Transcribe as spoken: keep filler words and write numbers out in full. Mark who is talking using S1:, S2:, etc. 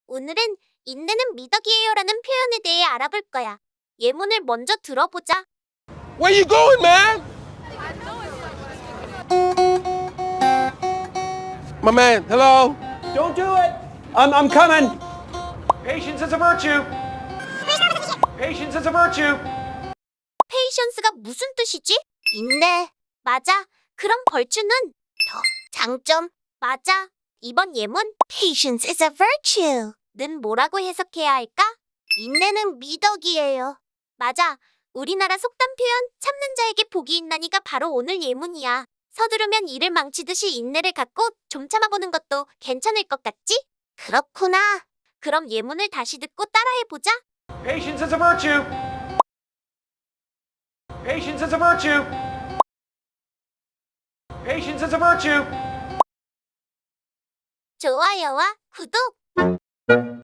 S1: 오늘은 인내는 미덕이에요라는 표현에 대해 알아볼 거야. 예문을 먼저 들어보자.
S2: Where you going, man? My man, hello?
S3: Don't do it. I'm, I'm coming. Patience is a virtue. Patience is a virtue.
S1: 페이션스가 무슨 뜻이지? 인내. 맞아. 그럼 벌주는 더. 장점. 맞아. 이번 예문 Patience is a virtue 는 뭐라고 해석해야 할까? 인내는 미덕이에요. 맞아. 우리나라 속담 표현 참는 자에게 복이 있나니가 바로 오늘 예문이야. 서두르면 일을 망치듯이 인내를 갖고 좀 참아보는 것도 괜찮을 것 같지? 그렇구나. 그럼 예문을 다시 듣고 따라해보자.
S3: Patience is a virtue. Patience is a virtue. Patience is a virtue.
S1: 좋아요와 구독